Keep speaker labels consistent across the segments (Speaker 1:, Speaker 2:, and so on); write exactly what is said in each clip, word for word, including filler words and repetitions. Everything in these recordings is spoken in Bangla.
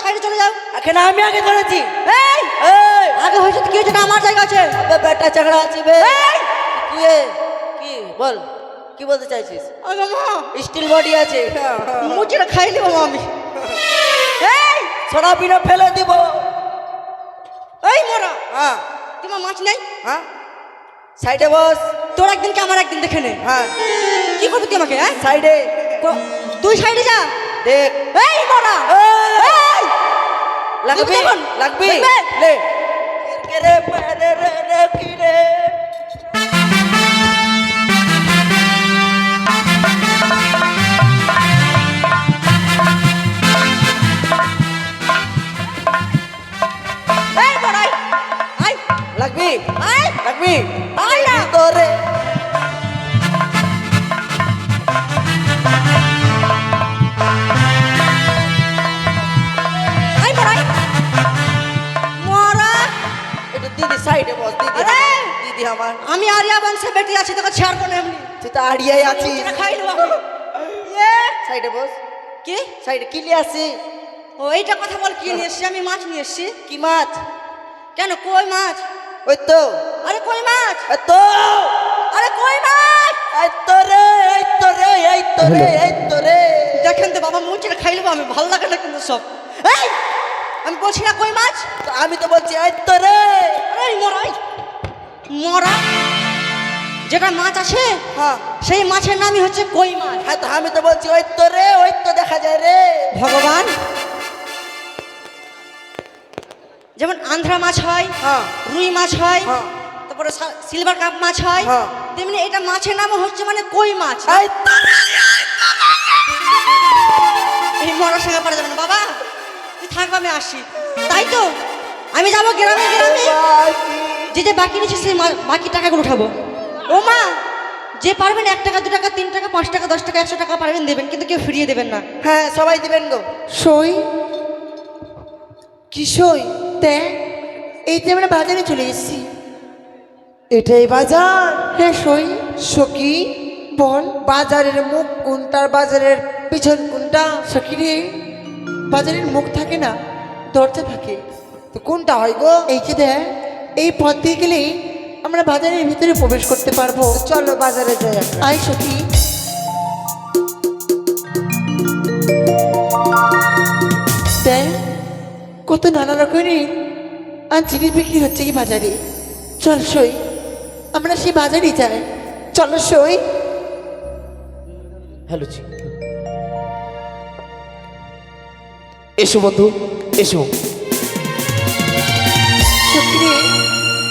Speaker 1: সাইডে চলে যাও।
Speaker 2: এখানে আমি আগে ধরেছি।
Speaker 1: এই
Speaker 2: এই
Speaker 1: আগে হয়েছে তো কি হয়েছে না, আমার জায়গা আছে।
Speaker 2: আবে বেটা চাকরা আছি বে।
Speaker 1: এই
Speaker 2: তুই এ, কি বল, কি বলতে চাইছিস?
Speaker 1: আগে মা
Speaker 2: স্টিল বডি আছে।
Speaker 1: মুচিটা খাই নেবো মা আমি। এই
Speaker 2: ছড়া বিনা ফেলে দিব।
Speaker 1: এই মোরা
Speaker 2: হ্যাঁ
Speaker 1: তোমার মাছ নেই?
Speaker 2: হ্যাঁ সাইডে বস।
Speaker 1: তোর একদিন কি আমার একদিন দেখে নে।
Speaker 2: হ্যাঁ
Speaker 1: কি করবি তুই আমাকে? হ্যাঁ
Speaker 2: সাইডে
Speaker 1: কো- তুই সাইডে যা।
Speaker 2: দেখ।
Speaker 1: এই মোরা এই
Speaker 2: লাগবি
Speaker 1: দেখুন,
Speaker 2: লাগবি
Speaker 1: দেখবে?
Speaker 2: লে কে রে মেরে রে রে কি রে।
Speaker 1: এই মোরা আই আই
Speaker 2: লাগবি
Speaker 1: আই
Speaker 2: লাগবি
Speaker 1: আই না।
Speaker 2: তোরে
Speaker 1: আই মোরা আই। মোরা
Speaker 2: একটু দিদি সাইডে বস। দিদি
Speaker 1: আরে!
Speaker 2: দিদি আমার।
Speaker 1: আমি আরিয়া বংশের বেটি আছি, তোকে ছাড়বো না এমনি।
Speaker 2: তুই তো আড়িয়াই আছিস।
Speaker 1: মুচিটা খাই নেবো আমি। এ
Speaker 2: সাইডে বস।
Speaker 1: কি?
Speaker 2: সাইডে কি নিয়ে আসি?
Speaker 1: ও এইটা কথা বল, কি নিয়ে এসছি? আমি মাছ নিয়ে এসছি।
Speaker 2: কি মাছ?
Speaker 1: কেন কই মাছ?
Speaker 2: ওই তো
Speaker 1: আরে কই মাছ,
Speaker 2: এই তো
Speaker 1: আরে কই মাছ।
Speaker 2: এই তো রে এই তো রে এই তো রে এই তো রে।
Speaker 1: দেখেন তো বাবা, মুচিটা খাই নেবো আমি, ভালো লাগে না কিন্তু সব। এই আমি বলছি না কই মাছ।
Speaker 2: তো আমি তো বলছি এই তো রে।
Speaker 1: আরে মরাই মরা যেটা মাছ আছে
Speaker 2: হ্যাঁ
Speaker 1: সেই মাছের নামই হচ্ছে কই মাছ।
Speaker 2: হ্যাঁ তো আমি তো বলছি ওই তো রে ওই তো দেখা যায় রে।
Speaker 1: ভগবান, যেমন আন্ধ্রা মাছ হয়,
Speaker 2: হ্যাঁ
Speaker 1: রুই মাছ হয়,
Speaker 2: হ্যাঁ
Speaker 1: তারপরে সিলভার কাপ মাছ হয়,
Speaker 2: হ্যাঁ।
Speaker 1: তেমনি এটা মাছের নাম হচ্ছে মানে কই মাছ।
Speaker 2: এই তো রে।
Speaker 1: এই মরার সঙ্গে পারা যাবে না বাবা, তুই থাকবো আমি আসি। তাই তো আমি যাবো গ্রামে গ্রামে, যে যে বাকি নিচ্ছে সেই মা- বাকি টাকাগুলো উঠাবো। ও মা, যে পারবেন এক টাকা দু টাকা তিন টাকা পাঁচ টাকা দশ টাকা একশো টাকা পারবেন দেবেন, কিন্তু কেউ ফিরিয়ে দেবেন না।
Speaker 2: হ্যাঁ সবাই দিবেন গো।
Speaker 3: সই কি সই দেখ, এই যে আমরা বাজারে চলে এসেছি।
Speaker 2: এটাই বাজার?
Speaker 3: হ্যাঁ সই।
Speaker 2: সখী
Speaker 3: বল
Speaker 2: বাজারের মুখ কোনটার বাজারের পিছন কোনটা?
Speaker 3: সখী রে, বাজারের মুখ থাকে না, দরজা থাকে।
Speaker 2: তো কোনটা হয় গো?
Speaker 3: এই যে দেখ, এই পথ দিয়ে গেলেই আমরা বাজারের ভিতরে প্রবেশ করতে পারবো।
Speaker 2: তো চলো বাজারে যাই।
Speaker 3: আয় সখী। দেখ কত নানা রকমের আর জিনিস বিক্রি হচ্ছে কি বাজারে। চল সই, আমরা সেই বাজারে যাই। চলো সই।
Speaker 4: হ্যালো জি, এসো বন্ধু এসো।
Speaker 3: সখী রে,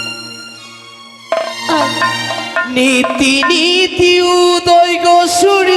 Speaker 3: আয়।
Speaker 4: নীতি নীতি উদয় গো সূর্য